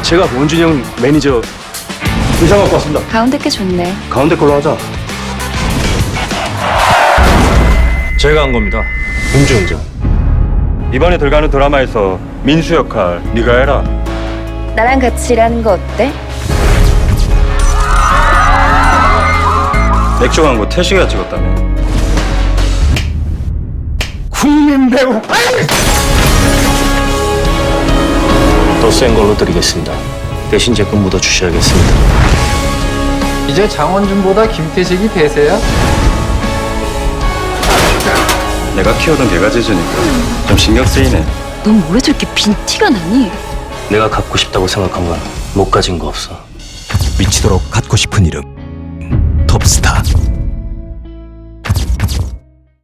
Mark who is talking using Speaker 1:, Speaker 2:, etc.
Speaker 1: 제가 원준이 형 매니저 의상 갖고 왔습니다.
Speaker 2: 가운데 게 좋네.
Speaker 1: 가운데 걸로 하자. 제가 한 겁니다. 음주운전. 이번에 들어가는 드라마에서 민수 역할 네가 해라.
Speaker 2: 나랑 같이 일하는 거 어때?
Speaker 1: 맥주 광고 태식이가 찍었다며. 국민 배우. 더 센 걸로 드리겠습니다. 대신 제 건 묻어 주셔야겠습니다.
Speaker 3: 이제 장원준보다 김태식이 대세야?
Speaker 1: 내가 키우던 개가 짖으니까 좀 신경 쓰이네.
Speaker 2: 넌 왜 저렇게 빈티가 나니?
Speaker 1: 내가 갖고 싶다고 생각한 건 못 가진 거 없어.
Speaker 4: 미치도록 갖고 싶은 이름 톱스타.